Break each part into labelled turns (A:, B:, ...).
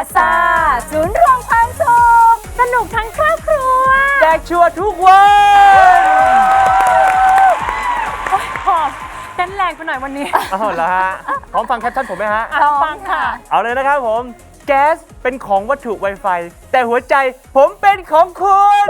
A: ซ่าศูนย์รวมความสุขสนุกทั้งครอบครัว
B: แจกชัวร์ทุกวัน
C: หอมเต้นแรงไปหน่อยวันนี้
B: เอาเหรอฮะพร้อมฟังแคปชั่นผมไหมฮะ
C: ฟังค่ะ
B: เอาเลยนะครับผมแก๊สเป็นของวัตถุ Wi-Fi แต่หัวใจผมเป็นของคุณ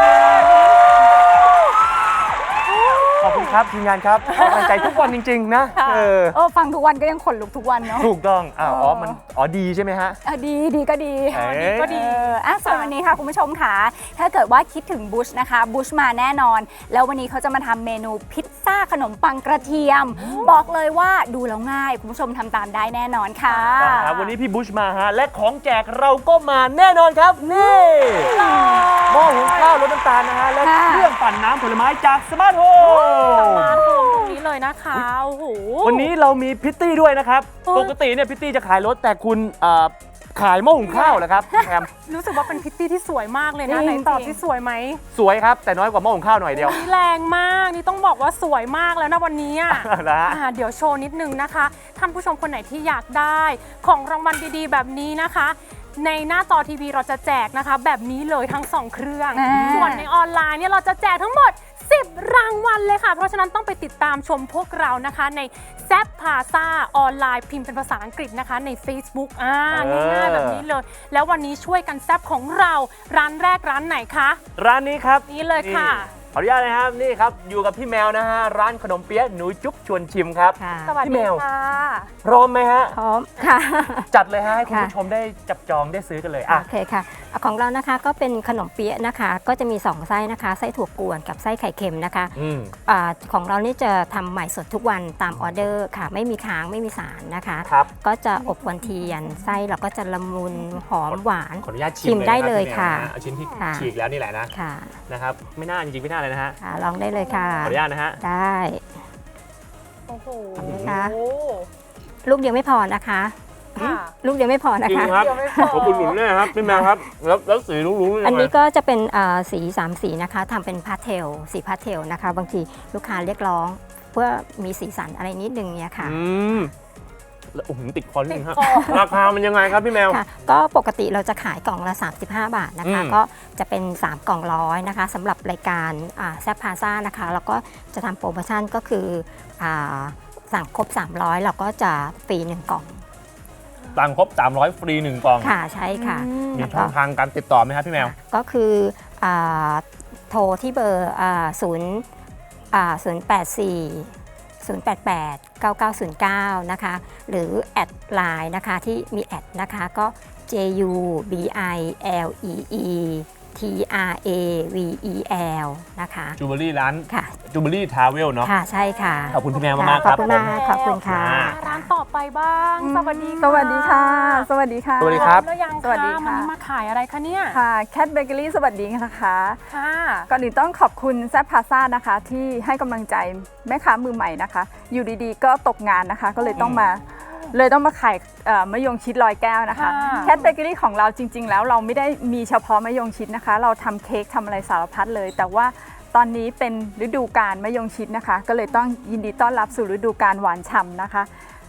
B: ขอบคุณครับทีมงานครับกำลังใจทุกวันจริงๆนะ
A: ฟังทุกวันก็ยังขนลุกทุกวันเนาะ
B: ถูกต้องมันดีใช่ไหมฮะ
A: ดีก็ดี
C: ก็ดี
A: ส่วนวันนี้ค่ะคุณผู้ชมค่ะถ้าเกิดว่าคิดถึงบุชนะคะบุชมาแน่นอนแล้ววันนี้เขาจะมาทำเมนูพิซซ่าขนมปังกระเทียมบอกเลยว่าดูแล้วง่ายคุณผู้ชมทำตามได้แน่นอนค่ะ
B: ครับวันนี้พี่บุชมาฮะและของแจกเราก็มาแน่นอนครับนี่หม้อหุงข้าวรสน้ำตาลนะฮะและเครื่องปั่นน้ำผลไม้จากสมาร์ทโฮม
C: มาโฮมตรงนี้เลยนะคะโอ้โห
B: วันนี้เรามีพิตตี้ด้วยนะครับปกติเนี่ยพิตตี้จะขายรถแต่คุณขายหม้อหุงข้าวเหรอครับแอม
C: รู้สึกว่าเป็นพิตตี้ที่สวยมากเลยนะไหนตอบที่สวยไหม
B: สวยครับแต่น้อยกว่าหม้อหุงข้าวหน่อยเดียว
C: แรงมากนี่ต้องบอกว่าสวยมากแล้วนะวันนี้เดี๋ยวโชว์นิดนึงนะคะท่านผู้ชมคนไหนที่อยากได้ของรางวัลดีๆแบบนี้นะคะในหน้าจอทีวีเราจะแจกนะคะแบบนี้เลยทั้ง2เครื่องส่วนในออนไลน์เนี่ยเราจะแจกทั้งหมด10รางวัลเลยค่ะเพราะฉะนั้นต้องไปติดตามชมพวกเรานะคะในแซปพาซ่าออนไลน์พิมพ์เป็นภาษาอังกฤษนะคะใน Facebook ง่ายๆแบบนี้เลยแล้ววันนี้ช่วยกันแซปของเราร้านแรกร้านไหนคะ
B: ร้านนี้ครับ
C: นี่เลยค่ะ
B: ขออนุญาตนะครับนี่ครับอยู่กับพี่แมวนะฮะร้านขนมเปี๊ยะหนูจุ๊บชวนชิมครับ
C: สวัสดีค่ะ
B: พร้อมไหมฮะ
A: พร้อมค่ะ
B: จัดเลยฮะให้คุณผู้ชมได้จับจองได้ซื้อกันเลย
A: โอเคค่ะของเรานะคะก็เป็นขนมเปี๊ยะนะคะก็จะมี2ไส้นะคะไส้ถั่วกวนกับไส้ไข่เค็มนะคะของเรานี่จะทำใหม่สดทุกวันตามออเดอร์ค่ะไม่มีค้างไม่มีสารนะคะก็จะอบวันเทียนไส้เราก็จะละมุนหอมหวาน
B: ขออนุญาต
A: ชิมได้เลยค่ะ
B: เอาชิ้นที่ฉีกแล้วนี่แหละนะนะครับไม่น่าจริงๆไม่น่าเลยนะฮะ
A: ลองได้เลยค่ะ
B: ขออนุญาตนะฮะ
A: ได้
C: โอ้โห
A: ลูกเดียวไม่พอนะคะลูกเดียวไม่พอนะคะ
B: ครับขอบคุณหนุนแน่ครับพี่แมวครับแล้วสีลุ้งๆ
A: อันนี้ก็จะเป็นสี3สีนะคะทำเป็นพาสเทลสีพาสเทลนะคะบางทีลูกค้าเรียกร้องเพื่อมีสีสันอะไรนิดนึงเนี่ยค่ะ
B: โอ้โหติดคอนิดนึงครับราคามันยังไงครับพี่แมว
A: ก็ปกติเราจะขายกล่องละ35 บาทนะคะก็จะเป็น3กล่องร้อยนะคะสำหรับรายการแซปพาซ่านะคะแล้วก็จะทำโปรโมชั่นก็คือสั่งครบ300เราก็จะฟรี1กล่อง
B: สั่งครบ300ฟรี1กล่อง
A: ค่ะใช่ค่ะ
B: มีช่องทางการติดต่อไหมครับพี่แมว
A: ก็คือโทรที่เบอร์088-9909 นะคะหรือแอดไลน์นะคะที่มีแอดนะคะก็ JUBILEETRAVEL นะคะ
B: จูเบอรี่ร้าน
A: ค่ะ
B: จูเบอรี่ทราเวลเนาะ
A: ค่ะใช่ค่ะ
B: ขอบคุณพี่แมวมากครับ
A: ขอบคุณมากขอบคุณค่ะ
C: ร้านต่อไปบ้างสวัสดี
A: ค่ะสวัสดีค่ะ
B: สวัสดีครับ
C: แล้วยังสวัสดีค่ะวันนี้มาขายอะไรคะเนี่ย
D: ค่ะแคทเบเกอรี่สวัสดีนะคะ
C: ค่ะ
D: ก่อนอื่นต้องขอบคุณแซปพาซ่านะคะที่ให้กำลังใจแม่ค้ามือใหม่นะคะอยู่ดีๆก็ตกงานนะคะก็เลยต้องมาขายมะยงชิดลอยแก้วนะคะแคทเบเกอรี่ของเราจริงๆแล้วเราไม่ได้มีเฉพาะมะยงชิดนะคะเราทำเค้กทำอะไรสารพัดเลยแต่ว่าตอนนี้เป็นฤดูกาลมะยงชิดนะคะก็เลยต้องยินดีต้อนรับสู่ฤดูกาลหวานฉ่ำนะคะ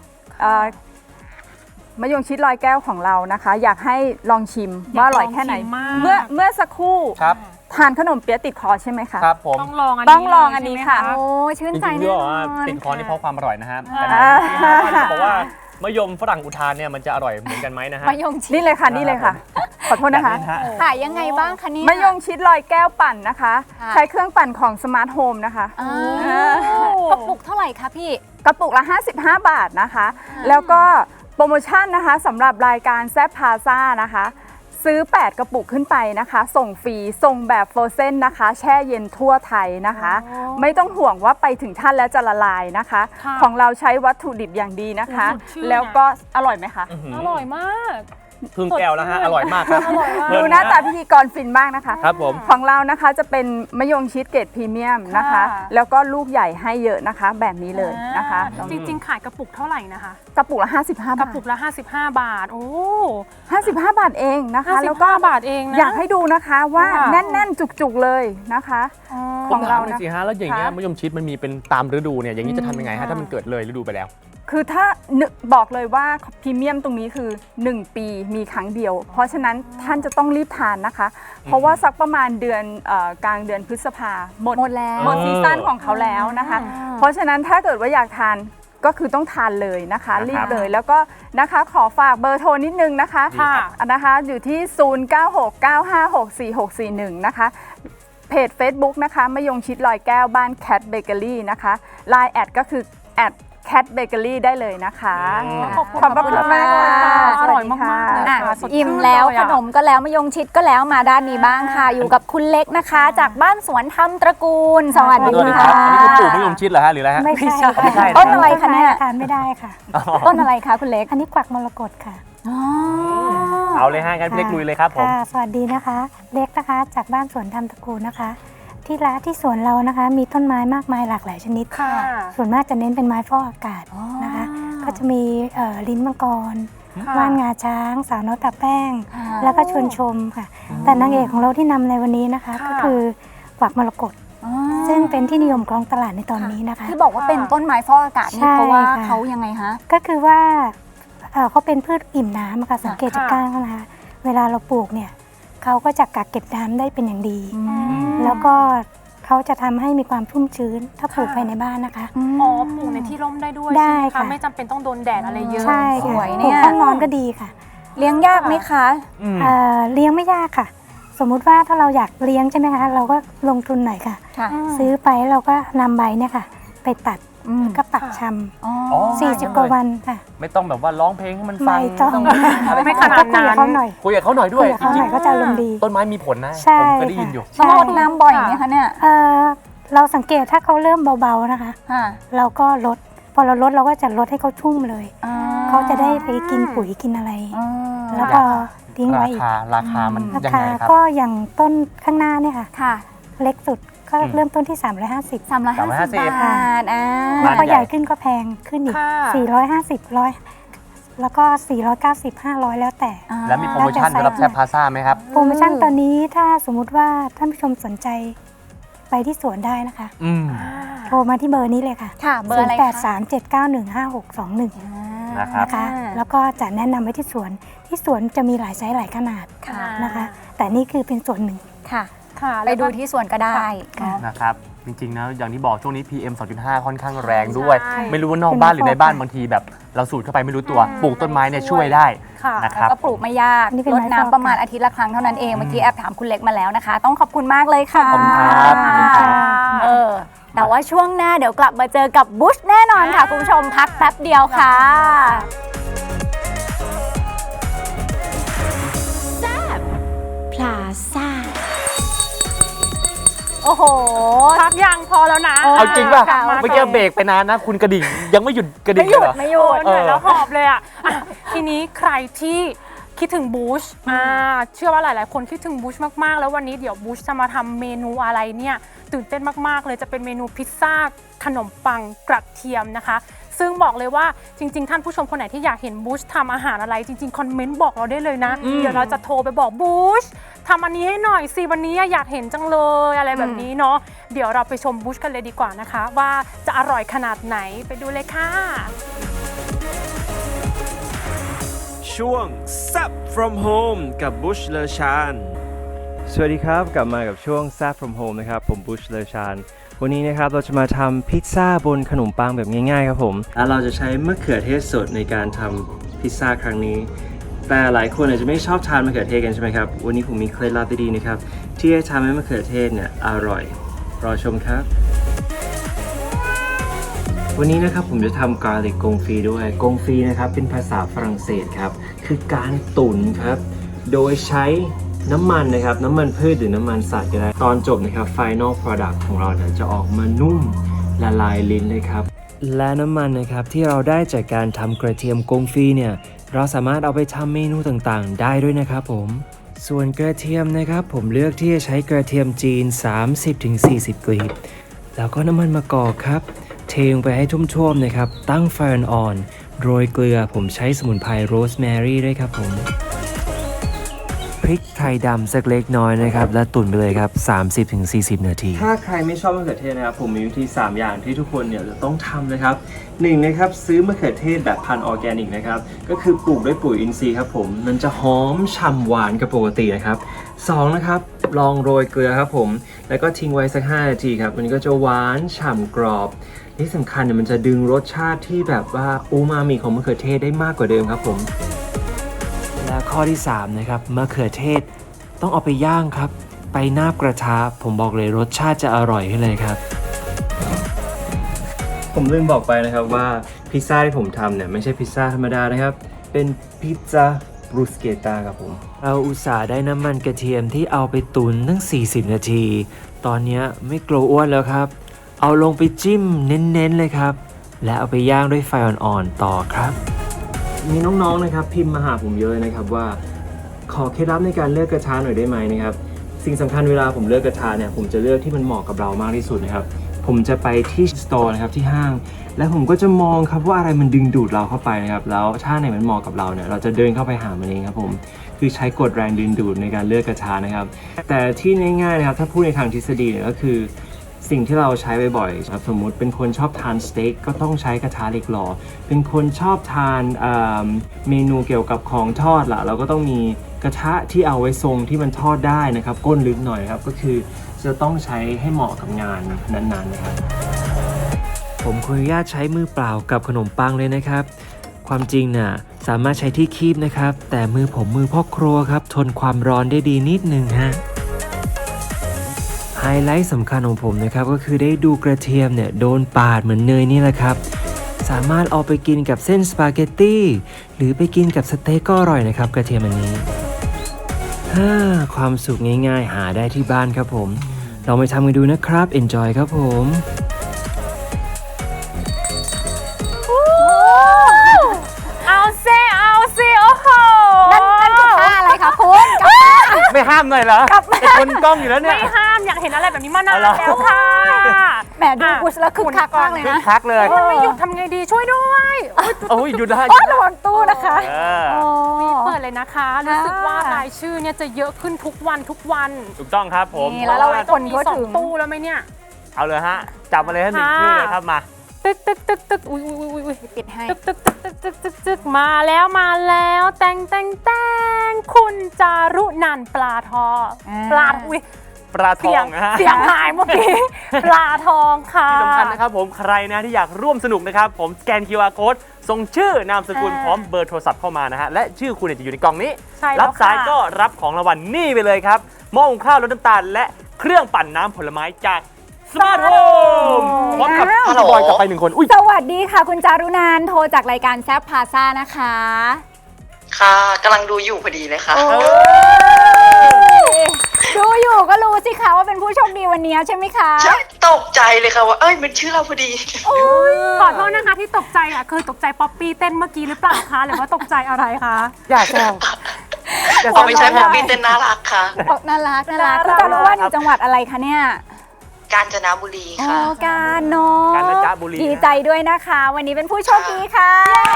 D: มะยงชิดลอยแก้วของเรานะคะอยากให้ลองชิมว่าอร่อยแค่ไหนเมื่อสักครู่ทานขนมเปี๊ยะติดคอใช่ไหมคะ
B: ครับผม
C: ต้องลอง
D: อันนี้ค่ะ
A: โอ้ชื่นใจแน่นอน
B: ติดคอนี่เพราะความอร่อยนะฮะบอกว่ามะยมฝรั่งอุทานเนี่ยมันจะอร่อยเหมือนกันไหมนะฮะ
A: มะยงชิด
D: นี่เลยค่ะขอโทษนะคะ
A: ขายยังไงบ้างคะนี่
D: มะยงชิดลอยแก้วปั่นนะคะใช้เครื่องปั่นของสมาร์ทโฮมนะคะ
A: กระปุกเท่าไหร่คะพี่
D: กระปุกละ55 บาทนะคะแล้วก็โปรโมชั่นนะคะสำหรับรายการแซปพาซ่านะคะซื้อ8กระปุกขึ้นไปนะคะส่งฟรีส่งแบบโฟรเซนนะคะแช่เย็นทั่วไทยนะคะไม่ต้องห่วงว่าไปถึงท่านแล้วจะละลายนะคะของเราใช้วัตถุดิบอย่างดีนะคะแล้วก็อร่อยไหมคะ
C: อร่อยมาก
B: พึ่งแก้วแล้วฮะอร่อยมากครับ
D: ดูหน้าตาพิธีกรฟินมากนะคะ
B: ครับผม
D: ของเรานะคะจะเป็นมะยงชิดเกรดพรีเมียมนะคะแล้วก็ลูกใหญ่ให้เยอะนะคะแบบนี้เลยนะคะ
C: จริงๆขายกระปุกเท่าไหร่นะคะ
D: กระปุกละ55 บาท
C: กระปุกละ55 บาทโอ้
D: 55 บาทเองนะคะ
C: แล้วก็บาทเองนะ
D: อยากให้ดูนะคะว่าแน่นๆจุกๆเลยนะคะของเรา
B: สิฮะแล้วอย่างเงี้ยมะยงชิดมันมีเป็นตามฤดูเนี่ยอย่างนี้จะทำยังไงฮะถ้ามันเกิดเลยฤดูไปแล้ว
D: คือถ้าบอกเลยว่าพรีเมียมตรงนี้คือ 1 ปีมีครั้งเดียว เพราะฉะนั้นท่านจะต้องรีบทานนะคะ เพราะว่าสักประมาณเดือนกลางเดือนพฤษภาหมดแล้วหมดซีซั่นของเขาแล้วนะคะ เพราะฉะนั้นถ้าเกิดว่าอยากทานก็คือต้องทานเลยนะคะรีบเลยแล้วก็นะคะขอฝากเบอร์โทรนิดนึงนะคะ นะคะอยู่ที่ 0969564641 นะคะเพจ Facebook นะคะมะยงชิดลอยแก้วบ้านแคทเบเกอรี่นะคะ Line แอดก็คือแคทเบเกอรี่ได้เลยนะคะ
C: ขอบคุณ
D: ขอบคุณมากค่ะ
C: อร่อยมากๆเลย
E: อ่ะ
C: ค่ะสดชื่น
E: อิ่มแล้ว
C: เย
E: ข
C: อะ
E: นมก็แล้วมะยงชิดก็แล้วมาด้านนี้บ้างค่ะ อยู่กับคุณเล็กนะคะ จากบ้านสวนธรรมตระกูล สวัส
B: ส
E: ดี
B: วัสดีค
E: ค่ะ
B: รับอันนี้คือปลูกมะยงชิดเหรอฮะหรืออะไรฮะ
F: ไม่ใช่
B: ไม่ใช่
E: ต้นอะไรคะเนี่ย
F: ทานไม่ได้ค่ะ
E: ต้นอะไรคะคุณเล็ก
F: อันนี้กวักมรกตค่ะ
E: อ๋อ
B: เอาเลยฮะงั้นพี่เล็กลุยเลยครับผม
F: ค่ะ สวัสดีนะคะ เล็กนะคะ จากบ้านสวนธรรมตระกูลนะคะ ที่สวนเรานะคะ มีต้นไม้มากมายหลากหลายชนิด
C: ค่ะ
F: ส่วนมากจะเน้นเป็นไม้ฟอกอากาศนะคะ ก็จะมีลิ้นมังกร ว่านงาช้าง สาวน้อยตาแป้ง แล้วก็ชวนชมค่ะ แต่นางเอกของเราที่นำในวันนี้นะคะ ก็คือกวักมรกต ซึ่งเป็นที่นิยมของตลาดในตอนนี้นะคะ
E: ที่บอกว่าเป็นต้นไม้ฟอกอากาศ
F: ใช่
E: นี่เพราะว่า
F: ค่ะ
E: เขายังไงคะ
F: ก็คือว่าเขาเป็นพืชอิ่มน้ำอะค่ะสังเกตจาก
C: ค่ะ
F: ก้านเขานะคะเวลาเราปลูกเนี่ยเขาก็จะกักเก็บน้ำได้เป็นอย่างดี แล้วก็เขาจะทำให้มีความชุ่มชื้น ถ้าปลูกภายในบ้านนะคะ
C: อ๋อปลูกในที่ร่มได้ด้วย
F: ได้
C: ใช่ไหมคะ
F: ค่ะ
C: ไม่จำเป็นต้องโดนแดดอะไรเยอะ
F: ใช่
E: ส
F: ค่ะ
E: วย
F: ป
E: เนี่
F: ลูก
E: ย
F: ห้องนอนก็ดีค่ะ
E: เลี้ยงยากไหมคะ
F: เลี้ยงไม่ยากค่ะ สมมุติว่าถ้าเราอยากเลี้ยงใช่ไหมคะเราก็ลงทุนหน่อยค่ะ
E: ค่ะ
F: ซื้อไปเราก็นำใบเนี่ยค่ะ ไปตัดก็ปักช
E: อ๋อ
B: อ๋อ
F: ำ40 กว่าวันค่ะ
B: ไม่ต้องแบบว่าร้องเพลงให้มันฟัง
F: ไม่ต้อง
B: อะไร
C: ไม่ขนาด
F: ก็คุยกับเขาหน่อย
B: คุยกับเขาหน่อยด้
F: คุ
B: วย
F: ยกับเขาหน่อยก็จะอารมณ์ดี
B: ต้นไม้มีผลนะ
F: ใช่
B: ผมเคยได้ยินอยู่
F: ค่ะ
E: ต้องรดน้ำบ่อยไหมคะเนี่ย
F: เราสังเกตถ้าเขาเริ่มเบาๆนะคะ
E: ค่ะ
F: เราก็ลด พอเราลดเราก็จะลดให้เขาชุ่มเลย
E: อ่
F: เขาจะได้ไปกินปุ๋ยกินอะไร
E: อ๋อ
F: แล้วก็ทิ้งไว้อีก
B: ราคามัน
F: รา
B: ยัง
F: คา
B: ไงครับ
F: ก็อย่างต้นข้างหน้าเนี่ยค่ะ
E: ค่ะ
F: เล็กสุดก็
B: อืม
F: เริ่มต้นที่ 350
E: 350 บาท
F: แล้ว
B: บ้าน
F: ก็
B: ให
F: ให
B: ญ่
F: ญ่ขึ้นก็แพงขึ้นอีก
C: ค่ะ
F: 450 100แล้วก็490 500 แล้วแต่
B: แล้วมีโปรโมชั่นสำหรับแซบพาซ่าไหมครับ
F: โปรโมชั่นตอนนี้ถ้าสมมุติว่าท่านผู้ชมสนใจไปที่สวนได้นะคะ โทรมาที่เบอร์นี้เลยค่ะ
E: ค่ะ เบอร์อะไรคะ
F: 0837915621
B: นะครับ
F: นะคะ แล้วก็จะแนะนำไว้ที่สวน ที่สวนจะมีหลายไซส์หลายขนาด
E: ค่ะ
F: นะคะ แต่นี่คือเป็นส่วนหนึ่ง
E: ค่ะ
C: ค่ะ
E: ไปดูที่สวนก็ได้
F: ค่ะ
B: นะครับ จริงๆนะอย่างที่บอกช่วงนี้ PM 2.5 ค่อนข้างแรงด้วย
C: ใช่
B: ไม่รู้ว่านอกบ้านหรือในบ้านบางทีแบบเราสูดเข้าไปไม่รู้ตัว ปลูกต้นไม้เนี่ยช่วยได้
C: ค่ะ
B: นะครับ
E: ก็ปลูกไม่ยาก
F: นี่เป็น
E: ร
F: ไม้
E: ด
F: ฟอก
E: น้ำประมาณอาทิตย์ละครั้งเท่านั้นเอง เมื่อกี้แอบถามคุณเล็กมาแล้วนะคะ ต้องขอบคุณมากเลยค่ะ
B: ขอบคุณครับขอบคุณครับ
E: แต่ว่าช่วงหน้าเดี๋ยวกลับมาเจอกับบุชแน่นอนค่ะ คุณผู้ชมพักแป๊บเดียวค่ะ
A: พลาซ่า
E: โอ้โห
C: พักยังพอแล้วนะ
B: เอาจริงป่ะ
C: กลับา
B: เมื่อกี้เบรกไปนานนะ คุณกระดิ่งยังไม่หยุดกระดิ่ง
E: ไม่หยุด
B: เลยเหรอ
E: ไม่หยุด
C: เหนื่อยแล้วหอบเลยอ่ะ ทีนี้ใครที่คิดถึงบูชเชื่อว่าหลาย ๆ คนคิดถึงบูชมาก ๆ แล้ววันนี้เดี๋ยวบูชจะมาทำเมนูอะไรเนี่ยตื่นเต้นมาก ๆ เลยจะเป็นเมนูพิซซ่าขนมปังกระเทียมนะคะ ซึ่งบอกเลยว่าจริง ๆ ท่านผู้ชมคนไหนที่อยากเห็นบูชทำอาหารอะไรจริง ๆ คอมเมนต์บอกเราได้เลยนะ เดี๋ยวเราจะโทรไปบอกบูชทำอันนี้ให้หน่อยสิวันนี้อยากเห็นจังเลยอะไรแบบนี้เนาะเดี๋ยวเราไปชมบูชกันเลยดีกว่านะคะ ว่าจะอร่อยขนาดไหนไปดูเลยค่ะ
G: ช่วง Zap from Home กับบุชเลอชานสวัสดีครับ กลับมากับช่วง Zap from Home นะครับ ผมบุชเลอชานวันนี้นะครับเราจะมาทำพิซซ่าบนขนมปังแบบง่ายๆครับผมแล้วเราจะใช้มะเขือเทศสดในการทำพิซซ่าครั้งนี้ แต่หลายคนอาจจะไม่ชอบทานมะเขือเทศกันใช่ไหมครับ วันนี้ผมมีเคล็ดลับดีๆนะครับที่จะทำให้มะเขือเทศเนี่ยอร่อย รอชมครับ วันนี้นะครับผมจะทำกาลิกกงฟีด้วยกงฟีนะครับเป็นภาษาฝรั่งเศสครับคือการตุ๋นครับโดยใช้น้ำมันนะครับน้ำมันพืชหรือน้ำมันสัตว์ก็ได้ตอนจบนะครับ Final Product ของเราเนี่ยจะออกมานุ่มละลายลิ้นเลยครับและน้ำมันนะครับที่เราได้จากการทำกระเทียมกงฟีเนี่ยเราสามารถเอาไปทำเมนูต่างๆได้ด้วยนะครับผมส่วนกระเทียมนะครับผมเลือกที่จะใช้กระเทียมจีน 30-40 กลีบแล้วก็น้ำมันมะกอกครับเทลงไปให้ท่วมๆนะครับตั้งไฟอ่อนๆโรยเกลือผมใช้สมุนไพรโรสแมรี่ด้วยครับผมริกไทยดำสักเล็กน้อยนะครับและตุ๋นไปเลยครับ 30-40 นาทีถ้าใครไม่ชอบมะเขือเทศนะครับผมมีวิธี3อย่างที่ทุกคนเนี่ยจะต้องทำนะครับ1นะครับซื้อมะเขือเทศแบบพันธุ์ออร์แกนิกนะครับก็คือปลูกด้วยปุ๋ยอินทรีย์ครับผมมันจะหอมฉ่ำหวานกับปกตินะครับ2นะครับลองโรยเกลือครับผมแล้วก็ทิ้งไว้สัก5นาทีครับมันก็จะหวานฉ่ำกรอบที่สำคัญเนี่ยมันจะดึงรสชาติที่แบบว่าอูมามิของมะเขือเทศได้มากกว่าเดิมครับผมและข้อที่3นะครับมะเขือเทศต้องเอาไปย่างครับไปนาบกระทะผมบอกเลยรสชาติจะอร่อยขึ้นเลยครับผมลืมบอกไปนะครับว่าพิซซ่าที่ผมทำเนี่ยไม่ใช่พิซซ่าธรรมดานะครับเป็นพิซซ่าบรูสเกต้าครับผมเราอุตส่าห์ได้น้ำมันกระเทียมที่เอาไปตุ๋นตั้ง40นาทีตอนนี้ไม่กลัวอ้วนแล้วครับเอาลงไปจิ้มเน้นๆเลยครับและเอาไปย่างด้วยไฟอ่อนๆต่อครับมีน้องๆนะครับพิมพ์มาหาผมเยอะนะครับว่าขอเคล็ดลับในการเลือกกระทะหน่อยได้ไหมนะครับสิ่งสำคัญเวลาผมเลือกกระทะเนี่ยผมจะเลือกที่มันเหมาะกับเรามากที่สุดนะครับผมจะไปที่สโตร์นะครับที่ห้างและผมก็จะมองครับว่าอะไรมันดึงดูดเราเข้าไปนะครับแล้วถ้าไหนมันเหมาะกับเราเนี่ยเราจะเดินเข้าไปหามันเองครับผมคือใช้กฎแรงดึงดูดในการเลือกกระทะนะครับแต่ที่ง่ายๆนะครับถ้าพูดในทางทฤษฎีเนี่ยก็คือสิ่งที่เราใช้บ่อยๆครับสมมุติเป็นคนชอบทานสเต็กก็ต้องใช้กระทะเหล็กหล่อเป็นคนชอบทานเมนูเกี่ยวกับของทอดล่ะเราก็ต้องมีกระทะที่เอาไว้ทรงที่มันทอดได้นะครับก้นลึกหน่อยครับก็คือจะต้องใช้ให้เหมาะกับงานนั้นๆนะครับผมขออนุญาตใช้มือเปล่ากับขนมปังเลยนะครับความจริงน่ะสามารถใช้ที่คีบนะครับแต่มือผมมือพ่อครัวครับทนความร้อนได้ดีนิดนึงฮะไฮไลท์สำคัญของผมนะครับก็คือได้ดูกระเทียมเนี่ยโดนปาดเหมือนเนยนี่แหละครับสามารถเอาไปกินกับเส้นสปาเกตตี้หรือไปกินกับสเต็กก็อร่อยนะครับกระเทียมอันนี้ความสุขง่ายๆหาได้ที่บ้านครับผมลองไปทำกันดูนะครับ enjoy ครับผม
C: เอาซิโอ้โห
E: นั่นกระทะอะไรคะคุณ
B: ไม่ห้ามหน่อยเหรอเป็นคนกล้องอยู่แล้วเนี่ย
C: ไม่ห้ามอยากเห็นอะไรแบบนี้มานานแล้วค่ะ
E: แหมดูกุชแล้วคึกคักมากเลย
B: คึก
E: นะ
B: คักเลย
C: มันไม่หยุดทำไงดีช่วยด้วย
B: โอ้ยหยุดได้
E: ระวังตู้นะคะ
C: เปิดเลยนะคะรู้สึกว่ารายชื่อเนี่ยจะเยอะขึ้นทุกวัน
B: ถูกต้องครับผม
E: นี่แล้วเรา
C: ต้องมี2 ตู้แล้วไหมเนี่ย
B: เอาเลยฮะจับมาเลยฮะ1ชื่อเลยครับมา
C: ตึกอุ้ย
E: ปิดให้
C: ตึกมาแล้วแตงคุณจารุนันท์ปลาทองปลาอุ้ย
B: ปลาทองนะฮะ
C: เสียงหายเมื่อกี้ปลาทองค่ะ
B: ที่สำคัญนะครับผมใครนะที่อยากร่วมสนุกนะครับผมสแกน QR Code ส่งชื่อนามสกุลพร้อมเบอร์โทรศัพท์เข้ามานะฮะและชื่อคุณจะอยู่ในกล่องนี้รับสายก็รับของรางวัลนี่ไปเลยครับหม้อหุงข้าวรสน้ำตาลและเครื่องปั่นน้ำผลไม้จากสมาร์ทโฮมพร้อมกับพี่บอยกลับไป1คนอุ้ย
E: สวัสดีค่ะคุณจารุนันท์โทรจากรายการแซฟพาซ่านะคะ
H: ค่ะกำลังดูอยู่พอดีเลยค่ะ
E: ดูอยู่ก็รู้สิคะว่าเป็นผู้โชคดีวันนี้ใช่ไหมคะ
H: ใช่ตกใจเลยค่ะว่าเอ้ยเป็นชื่อเราพอดี
C: ขอโทษนะคะที่ตกใจอ่ะคือตกใจป๊อปปี้เต้นเมื่อกี้หรือเปล่าคะหรือว่าตกใจอะไรคะ
B: อย่าแซว
H: อ๋อไม่ใช่พอพี่เต้นน่ารักค่ะ
E: น่ารักคุณจารุว่าอยู่จังหวัดอะไรคะเนี่ย
H: กาญจนบุรี
E: อ๋อ
H: ค่ะ
E: การเนาะ
B: กาญจนบุรี
E: ดีใจด้วยนะคะ วันนี้เป็นผู้โชคดีค่ะ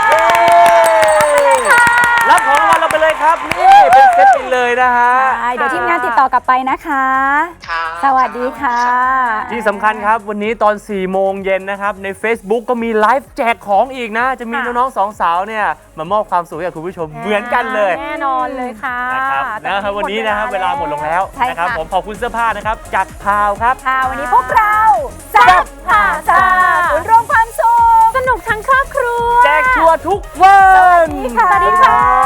B: รับของรางวัลเราไปเลยครับนี่เป็นเซตไปเลยนะฮะ
E: เดี๋ยวทีมงานติดต่อกลับไปนะคะ
H: ค่ะ
E: สวัสดีค่ะ
B: ที่สำคัญครับวันนี้ตอน 4 โมงเย็นนะครับใน Facebook ก็มีไลฟ์แจกของอีกนะ จะมีน้องๆ2 สาวเนี่ยมามอบความสุขให้กับคุณผู้ชมเหมือนกันเลย
C: แน่นอนเลยค่ะ
B: นะครับวันนี้นะครับเวลาหมดลงแล้ว
E: ใช่ค่ะ
B: นะครับผมขอบคุณเสื้อผ้านะครับจากพาวครับ
E: ค่ะวันนี้พวกเราแซ่บพาซ่าศูนย์รวมความสุข
C: สนุกทั้งครอบครัว
B: แจกชัวร์ทุกวัน
E: สวัสดีค่ะ